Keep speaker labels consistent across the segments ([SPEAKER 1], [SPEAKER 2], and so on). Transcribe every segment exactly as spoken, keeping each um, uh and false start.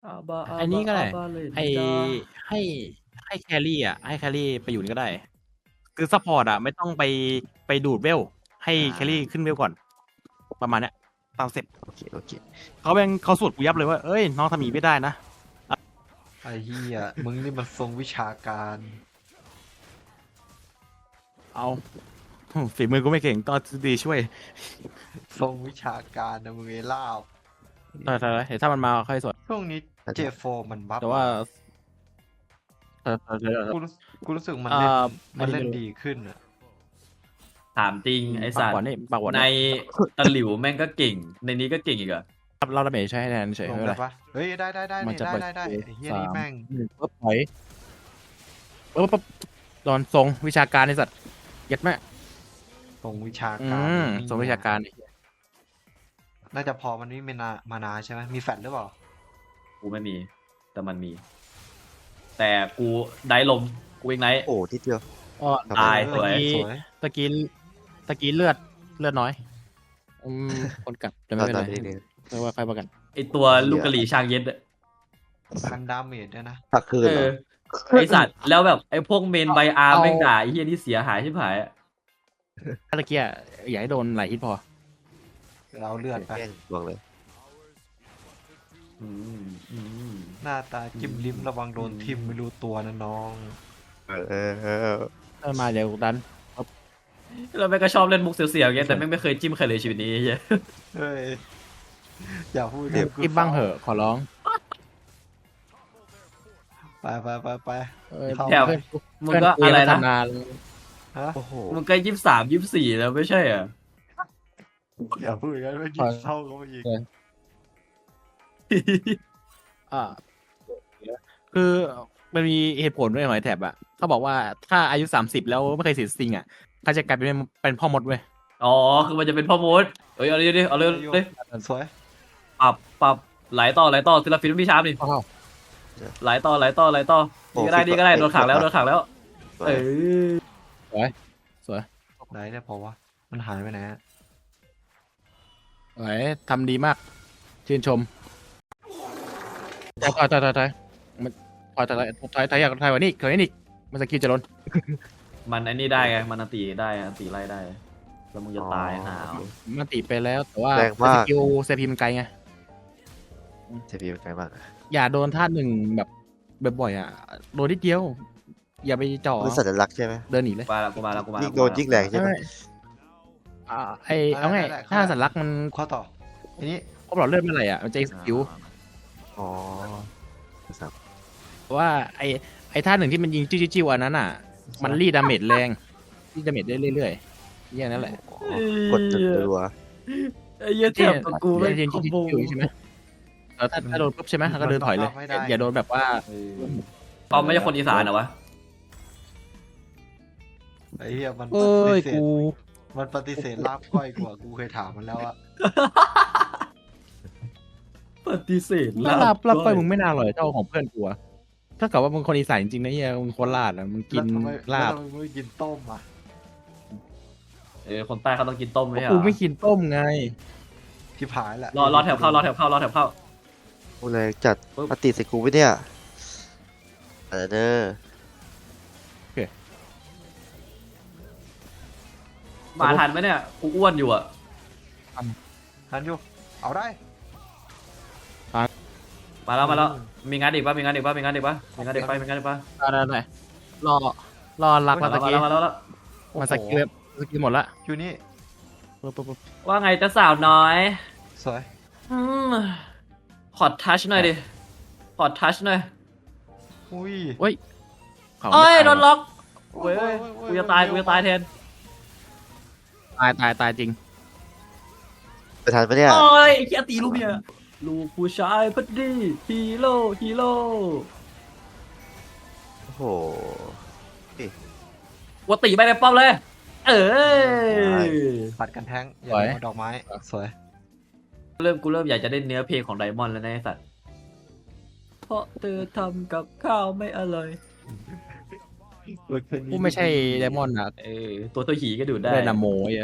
[SPEAKER 1] อาบาอา
[SPEAKER 2] อัน
[SPEAKER 1] บา
[SPEAKER 2] นี้ก็
[SPEAKER 1] อา
[SPEAKER 2] ได้
[SPEAKER 1] บาเลน
[SPEAKER 2] ไอ้
[SPEAKER 1] จา
[SPEAKER 2] ให้ ให้แครี่อะ ให้แครี่ไปอยู่นี่ก็ได้ คือซัปพอร์ตอะไม่ต้องไป ไปดูดเวล ให้
[SPEAKER 3] อา
[SPEAKER 2] แครี่ขึ้นเวลก่อน ประมาณเนี้ย ตามสเต็ป
[SPEAKER 3] โอเค โอเค
[SPEAKER 2] เขาแม่ง เขาสวดกูยับเลยว่า เฮ้ย น้องทำอย่างงี้ไม่ได้นะ อะ
[SPEAKER 4] ไอ้เหี้ย มึงนี่มันทรงวิชาการ
[SPEAKER 2] เอา อืม ฝีมือกูไม่เก่ง ต้องเอาทฤษฎีช่วย
[SPEAKER 4] ทรงวิชาการนะมึงไอ้ลาบ
[SPEAKER 2] ถอย ๆ ๆ เดี๋ยวถ้ามันมาค่อยสวด
[SPEAKER 4] ช่วงนี้
[SPEAKER 3] อาจ
[SPEAKER 4] เจ
[SPEAKER 3] จะ
[SPEAKER 4] โฟร์ มันบัฟ
[SPEAKER 2] แต่ว่า
[SPEAKER 4] อะ
[SPEAKER 2] เออ ๆ
[SPEAKER 4] กู
[SPEAKER 2] ๆ
[SPEAKER 4] รู้ กูรู้สึกมัน
[SPEAKER 2] อ่า
[SPEAKER 4] เล่น
[SPEAKER 2] ไม่
[SPEAKER 4] มัน
[SPEAKER 2] รู้
[SPEAKER 4] เล่น
[SPEAKER 2] ไม่รู้
[SPEAKER 4] ดีขึ้นอะ
[SPEAKER 1] ถามจริง
[SPEAKER 2] อืม
[SPEAKER 1] ไอ้
[SPEAKER 2] ปาก
[SPEAKER 1] สัต
[SPEAKER 2] หวาน
[SPEAKER 1] ว์
[SPEAKER 2] นี่ ปากหวาน
[SPEAKER 1] ใน
[SPEAKER 2] นี่
[SPEAKER 1] ตะหลิวแม่งก็เก่ง ในนี้ก็เก่งอีกเหรอ?
[SPEAKER 2] รับ รับดาเมจใช้ให้แทนเฉย
[SPEAKER 4] ล
[SPEAKER 2] ๆ
[SPEAKER 4] ง
[SPEAKER 2] ไม่เป็นไร
[SPEAKER 4] ได้ปะ? เฮ้ย ได้ ๆ ๆ
[SPEAKER 2] มั
[SPEAKER 4] นี่
[SPEAKER 2] จะไป
[SPEAKER 4] ได้ ๆ ๆ ไอ้เหี้ยนี่แม่ง
[SPEAKER 2] หนึ่ง ปุ๊บ ถอย ปุ๊บ ปุ๊บ โดนทรงวิชาการไอ้สัตว์ เย็ดแม่
[SPEAKER 4] ทรงวิชา
[SPEAKER 2] อื
[SPEAKER 4] การ
[SPEAKER 2] ม
[SPEAKER 4] นี่
[SPEAKER 2] ทรงวิชาการไอ้เหี้ย
[SPEAKER 4] น่าจะพอ มันไม่มีนา มานาใช่ไหม มีแฟลชหรือเปล่า?
[SPEAKER 1] กูไม่มี แต่มันมี แต่กู Dive ลม กู Ignite
[SPEAKER 3] โอ้ นิดเดียว
[SPEAKER 2] อ้อ
[SPEAKER 3] ครับ
[SPEAKER 1] ตาย
[SPEAKER 3] ผม
[SPEAKER 1] สวย
[SPEAKER 2] ตะกี้
[SPEAKER 4] สวย
[SPEAKER 2] ตะกี้ ตะกี้เลือด เลือดน้อย อืม คนกลับ แต่ไม่เป็นไร
[SPEAKER 3] ตอนนี้
[SPEAKER 2] ไม่ว่าใครว่ากัน
[SPEAKER 1] ไอ้ตัวลูกกะหรี่ชางเย็ดอะ
[SPEAKER 4] กันดาเมจด้วยนะ
[SPEAKER 3] พักคืน
[SPEAKER 1] เอ
[SPEAKER 3] เหร
[SPEAKER 1] อ
[SPEAKER 3] อ?
[SPEAKER 1] ไอ้สัตว์ แล้วแบบไอ้พวก Main
[SPEAKER 2] เอา
[SPEAKER 1] By Arm
[SPEAKER 2] เอา
[SPEAKER 1] แม่งด่าไอ้เหี้ยนี่เสียหายชิบหายอะ
[SPEAKER 2] ตะกี้อะอย่าให้โดนหลายฮิตพอ
[SPEAKER 4] เราเลือดไป
[SPEAKER 3] แกล้งบอกเลย
[SPEAKER 1] อืม อืม
[SPEAKER 4] หน้าตาจิ้มลิ้ม ระวังโดน
[SPEAKER 1] อืม
[SPEAKER 4] ทิ่มไม่รู้ตัวนะน้อง
[SPEAKER 3] เออ เออ
[SPEAKER 2] เออ มาเดี๋ยวดัน ครับ
[SPEAKER 1] แล้วแม่งก็ชอบเล่นมุกเสียวๆอย่างเงี้ย แต่แม่งไม่เคยจิ้มใครเลยชีวิตนี้ไอ้เหี้ย
[SPEAKER 4] เฮ้ย อย่าพูด
[SPEAKER 3] เดี๋ยว
[SPEAKER 4] กู
[SPEAKER 2] อิบบ้างเหอะ ขอร้อง
[SPEAKER 4] ไป ๆ ๆ
[SPEAKER 2] เออ
[SPEAKER 4] ๆ เข้า
[SPEAKER 1] แถว
[SPEAKER 4] ไป
[SPEAKER 2] เพื่อนกู
[SPEAKER 1] มึงก็
[SPEAKER 2] เพื่อนกู
[SPEAKER 1] อะไร
[SPEAKER 2] ยัง
[SPEAKER 1] นะ
[SPEAKER 2] ทำนาเลย
[SPEAKER 4] ฮะ
[SPEAKER 3] โอ้โฮ
[SPEAKER 1] มึงก็ยี่สิบสาม ยี่สิบสี่ แล้วไม่ใช่เหรอ?
[SPEAKER 4] อย่าพูดอย่างงั้น แม่ง
[SPEAKER 2] ถ
[SPEAKER 4] ยิ่
[SPEAKER 2] อง ย
[SPEAKER 4] เศร้าเข้าไปอีก
[SPEAKER 2] เออ อา คือมันมีเหตุผลด้วยหอยแถบอะ เขาบอกว่าถ้าอายุ สามสิบ แล้วไม่เคยเสียสติงอะ เขาจะกลายเป็น เป็นพ่อมดเว้ย
[SPEAKER 1] อ๋อ คือมันจะเป็นพ่อมด เฮ้ย เอาดิ ๆ เอาเลย
[SPEAKER 4] อยู่
[SPEAKER 1] เลย
[SPEAKER 4] สวย
[SPEAKER 1] ปรับ ปรับ ไหลต่อ ไหลต่อ Seraphine ไม่มีชาร์ปนี่
[SPEAKER 2] อ้าว
[SPEAKER 1] ไหลต่อ ไหลต่อ ไหลต่อ
[SPEAKER 3] โอ้
[SPEAKER 1] นี่ก็ได้
[SPEAKER 3] ฟิก
[SPEAKER 1] นี่ก็ได้
[SPEAKER 3] ว่ะ
[SPEAKER 1] โดนขังแล้ว
[SPEAKER 3] เอ้
[SPEAKER 1] โด
[SPEAKER 3] ย
[SPEAKER 1] นขังแล้ว
[SPEAKER 3] สว
[SPEAKER 1] เอย อ
[SPEAKER 2] สวย สวย
[SPEAKER 4] ไหนเนี่ยพอวะ มันหายไปไหนอะ?
[SPEAKER 2] สวย ทำดีมาก ชื่นชม ถอย ๆ ๆ ๆ มันถอย ๆ ๆ ถอย ถอยอยากถอยกว่านี้อีก ถอยกว่านี้อีก มันสกิลจะล้น
[SPEAKER 1] มันไอ้นี่ได้ไง มันอันติได้ อันติไล่ได้ แล้วมึงจะ
[SPEAKER 3] อ๋อ
[SPEAKER 1] ตายห่า
[SPEAKER 3] โอ
[SPEAKER 1] ว
[SPEAKER 3] เค
[SPEAKER 2] มันติไปแล้ว แต่ว่า
[SPEAKER 3] แรง
[SPEAKER 2] ส
[SPEAKER 3] มาก
[SPEAKER 2] กิล ซี พี มันไกลไง
[SPEAKER 3] ซี พี มันไกลมาก
[SPEAKER 2] อย่าโดนธาตุหนึ่งแบบบ่อย ๆ อะ โดนนิดเดียว อย่าไปจ่อ
[SPEAKER 3] มันสัญลักษณ์ใช่ไหม?
[SPEAKER 2] เดินหนีเลย
[SPEAKER 1] มาแล้ว กูมาแล้ว กูมาแล้
[SPEAKER 3] ยิ่
[SPEAKER 1] ว
[SPEAKER 3] งโดนยิ่งแรงใช่ไหม?
[SPEAKER 2] ไม่ อ่า ไอ้ เอาง่าย
[SPEAKER 4] ได้ๆๆ
[SPEAKER 2] ถ้าสัญลักษณ์มัน
[SPEAKER 4] ข้อต่อ อันนี้
[SPEAKER 2] ครบหลอดเลือดเมื่อไหร่อะ มันจะ execute
[SPEAKER 3] อ๋อ ครับ
[SPEAKER 2] เพราะว่าไอ้ ไอ้ท่าหนึ่งที่มันยิงจิ้ว ๆ อันนั้นน่ะ มันรีดดาเมจแรง รีดดาเมจได้เรื่อย ๆ แค่นั้นแหละ
[SPEAKER 3] อ๋อ กดจนรัว
[SPEAKER 1] ไอ้เหี้ยแถบกับกูแม่ง
[SPEAKER 2] ยิง
[SPEAKER 1] คอมโบ
[SPEAKER 2] จิ้ว ๆ ใช่ไหม แล้วถ้า ถ้าโดนปุ๊บใช่ไหม ก็เดินถอยเลย
[SPEAKER 4] มันบังคับไม่ได้
[SPEAKER 2] อย่าโดนแบบว่า
[SPEAKER 1] เออ อ๋อ ไม่ใช่คนอีสานเหรอวะ?
[SPEAKER 4] ไอ้เหี้ย มัน
[SPEAKER 2] เอ้
[SPEAKER 4] ปฏิ
[SPEAKER 2] ย
[SPEAKER 4] เสธ
[SPEAKER 2] กู
[SPEAKER 4] มันปฏิเสธลาบก้อยกูอะ กูเคยถามมันแล้วอะ
[SPEAKER 1] ปฏิเสธ
[SPEAKER 2] ลา
[SPEAKER 1] ลา
[SPEAKER 2] บบ ลาบก้อย
[SPEAKER 1] ก้อย
[SPEAKER 2] มึงไม่น่าอร่อยเท่าของเพื่อนกูอะ ถ้าเกิดว่ามึงคนอีสานจริง ๆ นะเหี้ย มึงโคราชอะ มึงกิ
[SPEAKER 4] แล้ว
[SPEAKER 2] น
[SPEAKER 4] ทำไม
[SPEAKER 2] ลาบ
[SPEAKER 4] แล้วทำไมมึงไม่กินต้มอะ?
[SPEAKER 1] เออ คนใต้เขาต้องกินต้มไม่ใช่เหร
[SPEAKER 2] กู
[SPEAKER 1] อ?
[SPEAKER 2] ไม่กินต้มไง
[SPEAKER 4] ชิบหายแล้ว
[SPEAKER 1] รอ รอแถบเข้า รอแถบเข้า รอแถบเข้า
[SPEAKER 3] โอ้ แรงจัด
[SPEAKER 1] ปึ๊บ
[SPEAKER 3] อันติใส่กูปะเนี่ย? เออเด้อ
[SPEAKER 2] โอเค
[SPEAKER 1] มาทันไหมเนี่ย? กูอ้วนอยู่อะ
[SPEAKER 2] ทัน
[SPEAKER 4] ทันอยู่ เอาได้
[SPEAKER 1] มาแล้ว มาแล้ว มีงานอีกเปล่า? มีงานอีกเปล่า? มีงานอีกเปล่า? มีงานอีกเปล่า? มีงานอีกเปล่า?
[SPEAKER 2] ได้ ๆ ๆ รอ รอรัก
[SPEAKER 1] มา
[SPEAKER 2] แล้ว
[SPEAKER 1] แล้
[SPEAKER 2] ตะ
[SPEAKER 1] ว มา
[SPEAKER 2] กี้
[SPEAKER 1] แล้ว มาแล้ว
[SPEAKER 2] มันสกิลแบบ สกิลหมดแล้ว
[SPEAKER 4] อยู่นี่
[SPEAKER 2] ปุ๊บ ๆ
[SPEAKER 1] ว่าไงจ๊ะสาวน้อย
[SPEAKER 4] สวย
[SPEAKER 1] อืม ขอทัชหน่อยดิ ขอทัชหน่อย
[SPEAKER 4] อุ้ย
[SPEAKER 2] ๆ เฮ้ย เขา
[SPEAKER 1] เอ้ย
[SPEAKER 2] ไม่
[SPEAKER 1] โด
[SPEAKER 2] ตาย
[SPEAKER 1] น
[SPEAKER 2] ว่ะ
[SPEAKER 1] ล็อก
[SPEAKER 4] โอ้
[SPEAKER 1] เว้
[SPEAKER 4] ย
[SPEAKER 1] ย
[SPEAKER 4] โอ้
[SPEAKER 1] เว้
[SPEAKER 4] ย
[SPEAKER 1] ย
[SPEAKER 4] โอ้ย
[SPEAKER 1] กูจะตาย
[SPEAKER 4] เร็
[SPEAKER 1] กู
[SPEAKER 4] ว
[SPEAKER 1] จะตาย
[SPEAKER 4] มาก
[SPEAKER 1] แทน
[SPEAKER 2] ตาย ตาย ตายจริง
[SPEAKER 3] ไปทันปะเนี่ย?
[SPEAKER 1] โอ๊ย ไอ้เหี้ยตีลูกเมีย ลูกผู้ชายพัดดี ฮีโร่ ฮีโร่
[SPEAKER 3] โอ้โฮ นี่
[SPEAKER 1] กูตีไปในป้อมเลย เออ
[SPEAKER 4] ปัดกันแท้ง อ
[SPEAKER 2] ส
[SPEAKER 4] ย่า
[SPEAKER 2] วย
[SPEAKER 4] โดนดอกไม้ สวย
[SPEAKER 1] เริ่ม กูเริ่มอยากจะได้เนื้อเพลงของ Diamond แล้วนะไอ้สัตว์ เพราะเธอทำกับข้าวไม่อร่อย
[SPEAKER 2] กูไม่ใช่ Diamond อะ
[SPEAKER 1] เออ ตัวเท่าหีก็ดูดได้
[SPEAKER 2] ได้นะโมไอ้เหี้ย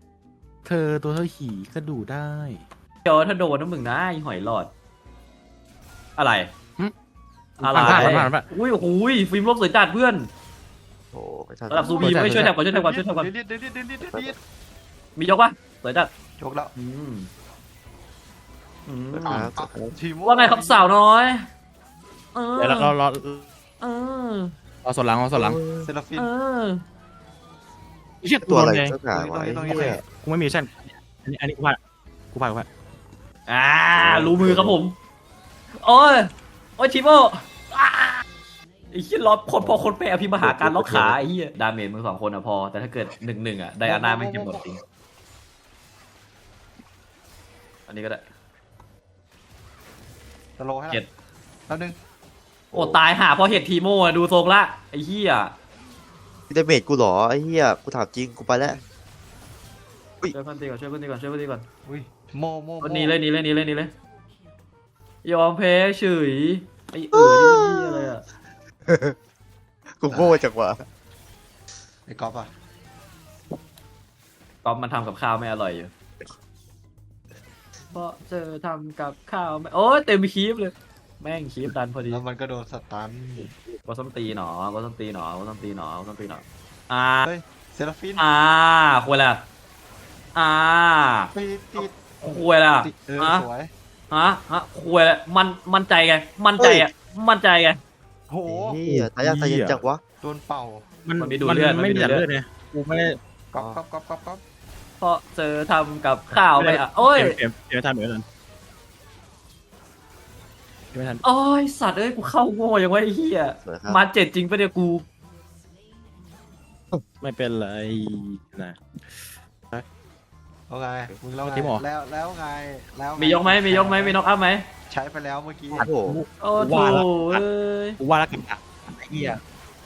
[SPEAKER 2] เธอตัวเท่าหีก็ดูได้
[SPEAKER 1] เดี๋ยวถ้าโดนนะมึงนะไอ้หอยหลอดอะไร
[SPEAKER 2] หึ
[SPEAKER 1] อะไร
[SPEAKER 2] ผ่านผ่านผ่านผ่าน
[SPEAKER 1] อุ้ยโอ้โหฟิล์มโลกสวยจัดเพื่อน
[SPEAKER 3] โอ้ไม่ทัน
[SPEAKER 1] ระดับซูบีไม่ช่วยแถบก่อนช่วยแถบก่อนช่วยแถบก่อน
[SPEAKER 4] เดี๋ยวเดี๋ยวเดี๋ยวเดี๋ยวเดี๋ยวเดี๋ยว
[SPEAKER 1] มียกปะสวยจัด
[SPEAKER 4] ยกแล้ว
[SPEAKER 1] อืมอืม
[SPEAKER 3] อ่า
[SPEAKER 4] ทีม
[SPEAKER 1] ว่าไงครับสาวน้อยเออ
[SPEAKER 2] เดี๋ยวเรารอ
[SPEAKER 1] เออ
[SPEAKER 2] รอส่วนหลังรอส่วนหลัง
[SPEAKER 4] เซราฟิน
[SPEAKER 1] เออ
[SPEAKER 2] เชี่ย
[SPEAKER 3] ตัวอะไร
[SPEAKER 2] โดนแดง
[SPEAKER 3] สักอย่างวะไอ้
[SPEAKER 4] ตรงนี้
[SPEAKER 3] เหี้ย
[SPEAKER 2] กูไม่มีชั่นอันนี้อันนี้กูพลาดกูพลาดกูพลาด
[SPEAKER 1] อ่ารู้มือครับผมโอ้ยโอ้ยทีโมอ่าไอ้เหี้ยล็อกคนพอคนแปรพิมพ์มหาการล็อกขาไอ้เหี้ยดาเมจมึงสองคนอะพอ แต่ถ้าเกิดหนึ่งหนึ่งอะไดอาน่าไม่งจะหมดจริงอันนี้ก็ได้
[SPEAKER 4] สโลว์ให้
[SPEAKER 1] เจ็ด
[SPEAKER 4] แล้วนึง
[SPEAKER 1] โอ้ตายหาเพราะเห็ดทีโมอะดูทรงละไอ้เหี้ย
[SPEAKER 3] ดาเมจกูเหรอไอ้เหี้ยกูถามจริงกูไปแล้ว
[SPEAKER 1] ช่วยเพื่อนตีก่อนช่วยเพื่อนตีก่อนช่วยเพื่อนตีก่อน
[SPEAKER 4] อุ้ยโมโม
[SPEAKER 1] วันนี้เลยหนี่เลยหนี่เลยหนี่เลยยอมแพ้เฉยไอ้เอ๋อนี่มันนี่อะไรอะ
[SPEAKER 3] กูโง่จังวะ
[SPEAKER 4] ไอ้ก๊อฟอ่ะ
[SPEAKER 1] ก๊อฟมันทำกับข้าวไม่อร่อยอยู่เพราะเจอทำกับข้าวไม่โอ้ยเต็มคีบเลย แม่งคีบดันพอดี
[SPEAKER 4] แล้วมันก็โดนสตัน
[SPEAKER 1] ก็ส้มตีหนอก็ส้มตีหนอก็ส้มตีหนอก็ส้มตีหนออ่า
[SPEAKER 4] เฮ้ยเซราฟิน
[SPEAKER 1] อ่าควรละอ่า
[SPEAKER 4] ปิดติด
[SPEAKER 1] ควรละ
[SPEAKER 4] ติดเออ
[SPEAKER 1] ฮะ
[SPEAKER 4] สวย
[SPEAKER 1] ฮะฮะควรละมันมั่นใจไงมั่นใจอ่ะมั่นใจไง
[SPEAKER 4] โห
[SPEAKER 3] ไอ้เหี้ยตายยากตายเย็นจังวะ
[SPEAKER 4] โดนเป่า
[SPEAKER 2] มัน
[SPEAKER 1] มันมีดูดเลือดมัน
[SPEAKER 2] ไม่
[SPEAKER 1] มี
[SPEAKER 2] มี
[SPEAKER 1] ดูด
[SPEAKER 2] แต่
[SPEAKER 1] เลือด
[SPEAKER 2] เลือดเนี่ยกูไม่ได้
[SPEAKER 4] ก๊อฟก๊อฟก๊อฟก๊อฟก๊อฟ
[SPEAKER 1] เพราะเจอทำกับข้าวไม่อ่ะโอ้ย
[SPEAKER 2] เปลี่ยนเปลี่ยนไม่ทันเปลี่ยนไม่ทันเปลี่ยนไม่ทัน
[SPEAKER 1] โอ้ยสัตว์เอ้ยกูเข้าโง่ยังไงไอ้เหี้ย
[SPEAKER 3] สวยครับ
[SPEAKER 1] มาเจ็ดจริงปะเนี่ยกู
[SPEAKER 2] ไม่เป็นไรนะ
[SPEAKER 4] เอาไงมึงแล้วไง
[SPEAKER 2] ทีมเหรอ
[SPEAKER 4] แล้วแล้วไงแล้วง
[SPEAKER 1] มียกไหมมียกไหมมีน็อกอัพไหม
[SPEAKER 4] ใช้ไปแล้วเมื่อกี้
[SPEAKER 3] โอ้โห
[SPEAKER 1] โอ้โถ
[SPEAKER 2] ว่าละ
[SPEAKER 1] เอ้ย
[SPEAKER 2] กูว่าแล้วกันอ่ะไอ้เหี้ย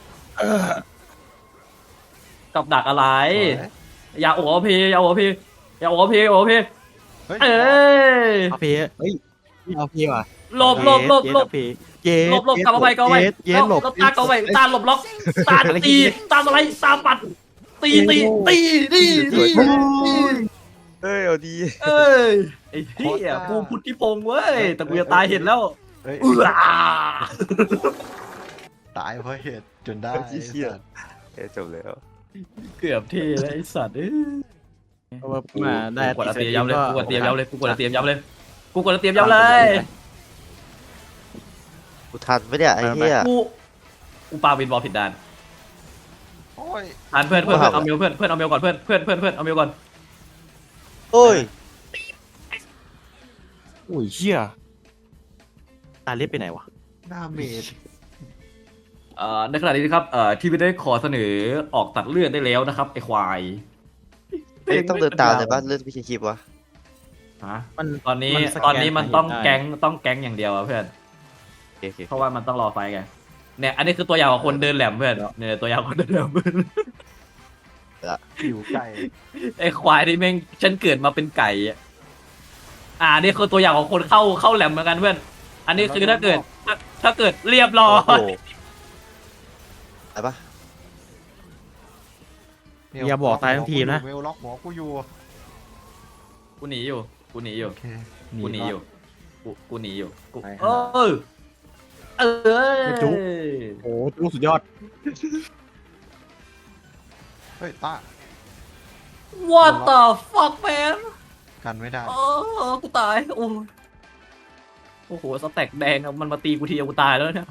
[SPEAKER 1] กับดักอะไร
[SPEAKER 4] สวย
[SPEAKER 1] อย่าโอ้พีอย่าโอ้พีอย่าโอ้พีโอ้พี
[SPEAKER 4] เฮ้ย
[SPEAKER 1] เอ้ย
[SPEAKER 2] เอาเพเฮ้ยเอาเพว่ะ
[SPEAKER 1] หลบหลบหลบหลบ
[SPEAKER 2] เย็ด
[SPEAKER 1] หลบหลบกลับมาไปกลับมาไป
[SPEAKER 2] เย็ดเย็ดหลบ
[SPEAKER 1] แล้วตากลับมาไปตาหลบล็อกตาตีตาอะไรตาปัดตีตีตีตีตี
[SPEAKER 3] เฮ้ยเอาดี
[SPEAKER 1] เอ้ยไอ้เหี้ยกูพุทธิพงษ์เว้ยแต่กูจะตายเห็นแล้ว
[SPEAKER 4] เฮ้ย
[SPEAKER 1] เอื้อ
[SPEAKER 4] ตายเพราะเหตุจนได้
[SPEAKER 3] เหี้ยเอ้ยจบแล้ว
[SPEAKER 1] เกือบเทแล้วไอ้สัตว์เอ้ย
[SPEAKER 2] เพราะว่ามาได้
[SPEAKER 1] กูกดแล้วเตรียมย้ำเลย
[SPEAKER 2] ก็
[SPEAKER 1] กูกดเตรียมย้ำเลยกูกดแล้วเตรียมย้ำเลยกูกดแล้วเตรียมย้ำเลย
[SPEAKER 3] กูทันไหมเนี่ยไอ้เหี้ย
[SPEAKER 1] กูกูปาวินบอลผิดด้าน
[SPEAKER 4] โอ้ย
[SPEAKER 1] ทันเพื่อนเพื่อน
[SPEAKER 3] ว้าว
[SPEAKER 1] เอาเมลเพื่อนเพื่อนเอาเมลก่อนเพื่อนเพื่อนเพื่อนเพื่อนเอาเมลก่อน
[SPEAKER 3] โอ้ย
[SPEAKER 2] โอ้ยเหี้ยตาเล็บไปไหนวะ
[SPEAKER 4] หน้าเมด
[SPEAKER 1] เอ่อในขณะนี้นะครับเอ่อที่ไม่ได้ขอเสนอออกตัดเลือดได้แล้วนะครับไอ้ควาย
[SPEAKER 3] เอ้ยต้องเดินตามเลยป่ะเลือดพี่คลิปวะ
[SPEAKER 1] ฮะ
[SPEAKER 2] มัน
[SPEAKER 1] ตอนนี้
[SPEAKER 2] มันสแกน
[SPEAKER 1] ตอนนี้มันต้อง
[SPEAKER 2] ได้
[SPEAKER 1] แก๊งต้องแก๊งอย่างเดียวอะเพื่อน
[SPEAKER 3] โอเคโอเค
[SPEAKER 1] เพราะว่ามันต้องรอไฟไงเนี่ยอันนี้คือตัวอย่างของคนเดินแหลมเพื่อนเนี่ยตัวอย่างของคนเดินแหลมเพื่อน
[SPEAKER 4] ผิวไก่
[SPEAKER 1] ไอ้ควายที่แม่งฉันเกิดมาเป็นไก่อะอ่านี่คือตัวอย่างของคนเข้าเข้าแหลมเหมือนกันเพื่อน อันนี้คือถ้าเกิดถ้าถ้าเกิดเรียบร้อ
[SPEAKER 3] โอ้
[SPEAKER 1] ย
[SPEAKER 3] โหไปปะ
[SPEAKER 2] อย่าบอกตายทั้งทีมนะ
[SPEAKER 4] เวลล็อกหัวกูอยู่
[SPEAKER 1] กูหนีอยู่กูหนีอยู่
[SPEAKER 4] โอเค
[SPEAKER 1] กูหนีอยู่กูกูหนีอยู่กู
[SPEAKER 2] ไป
[SPEAKER 1] เอ
[SPEAKER 2] หา
[SPEAKER 1] อเออ
[SPEAKER 2] ไม่จุ๊บ โอ้ลูกสุดยอด
[SPEAKER 4] เฮ้ยตา
[SPEAKER 1] What the fuck man
[SPEAKER 4] กันไม่ได้
[SPEAKER 1] โอ้กูตายโอ้ยโอ้โหสแต็กแดงอะมันมาตีกูทีเดียวกูตายแล้วเนี่ย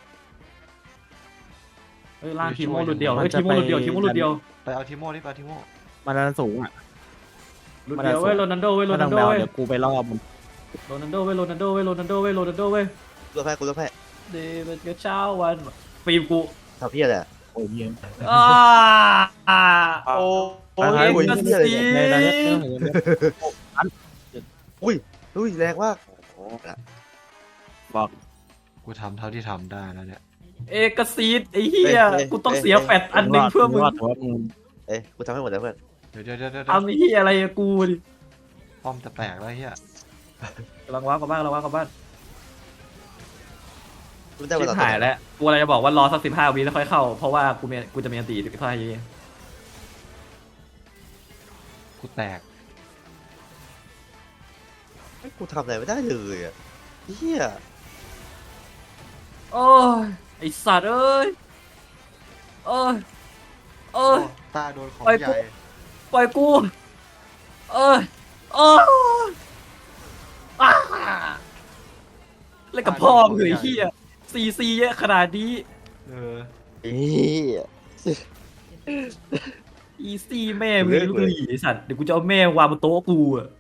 [SPEAKER 1] เฮ้ยล่างทีโม่หลุดเดียวเฮ้ยทีโม่หลุดเดียวทีโม่หลุดเดียว
[SPEAKER 4] ไปเอาทิโม่ดิไปเอาทิโม่
[SPEAKER 2] มาดันสูงอ่ะ
[SPEAKER 1] หลุดเดียวเว้ยโรนัลโดเว้ยโร
[SPEAKER 2] มา
[SPEAKER 1] นั
[SPEAKER 2] ดั
[SPEAKER 1] ล
[SPEAKER 2] ง
[SPEAKER 1] โด
[SPEAKER 2] แบว
[SPEAKER 1] เว้ย
[SPEAKER 2] เดี๋ยวกูไปรอบมัน
[SPEAKER 1] โรนัลโดเว้ยโรนัลโดเว้ยโรนัลโดเว้ยโรนัลโดเว้ย
[SPEAKER 3] กูเลือกแพ้กูเลือกแพ้
[SPEAKER 1] เดวิดก็เช้าวันฟิล์มกู
[SPEAKER 3] ทำเพี้ยอะไรอะ
[SPEAKER 2] โอ้ยเยี่ยม
[SPEAKER 1] อ่าอ่าโอ้โห
[SPEAKER 2] ท้าย
[SPEAKER 1] เอ็กซ์
[SPEAKER 3] เหี้ยอะไร
[SPEAKER 1] ซี
[SPEAKER 3] เนี่ย
[SPEAKER 2] ในตอนนี้เรื่องของเรื่อง
[SPEAKER 3] อุ้ยอุ้ยแรงมากโอ้โห
[SPEAKER 2] บอก
[SPEAKER 4] กูทำเท่าที่ทำได้แล้วเนี่ย
[SPEAKER 1] เอกซีดไอ้เหี้ยกูต้องเสียแฟตอันหนึ่งเพื่อมึง
[SPEAKER 2] รอดถือว่ามึง
[SPEAKER 3] เอ้ยกูทำให้หมดแล้วเพื่อน
[SPEAKER 4] เดี๋ยวเดี๋ยวเดี๋ยวเดี๋ยว
[SPEAKER 1] ทำไอ้เหี้ยอะไรอะกูดิ
[SPEAKER 4] ป้อมจะแตกแล้วเฮีย
[SPEAKER 1] กำลังว้าวกลับบ้านกำลังว้าวกลับบ้าน
[SPEAKER 3] กูได้
[SPEAKER 1] ชิ
[SPEAKER 3] เว
[SPEAKER 1] บ
[SPEAKER 3] ลา
[SPEAKER 1] หายแล้วกูอะไรจะบอกว่ารอสักสิบห้าวิแล้วค่อยเข้า เพราะว่ากูมีกูจะมีอันตีสิบห้าวิ
[SPEAKER 4] กูแตก
[SPEAKER 3] กูทำอะไรไม่ได้เลยอ่ะเฮีย
[SPEAKER 1] โอ้ยไอสัตว์เอ้ยโอ้ยโอ้
[SPEAKER 4] โอ้
[SPEAKER 1] ย
[SPEAKER 4] ตาโดนของ
[SPEAKER 1] ไป
[SPEAKER 4] ให
[SPEAKER 1] กู
[SPEAKER 4] ญ่
[SPEAKER 1] ปล่อยกูเอ้ยโอ้ยอ้าเล่นกับพ่อมึงเหรอไอ้เหี้ยซีซีเยอะขนาดนี้
[SPEAKER 4] เออ
[SPEAKER 3] เอ้ย
[SPEAKER 1] อีซี่แม่มึงลูกหลีไอ้สัตว์เดี๋ยวกูจะเอาแม่วางบนโต๊ะกูอะ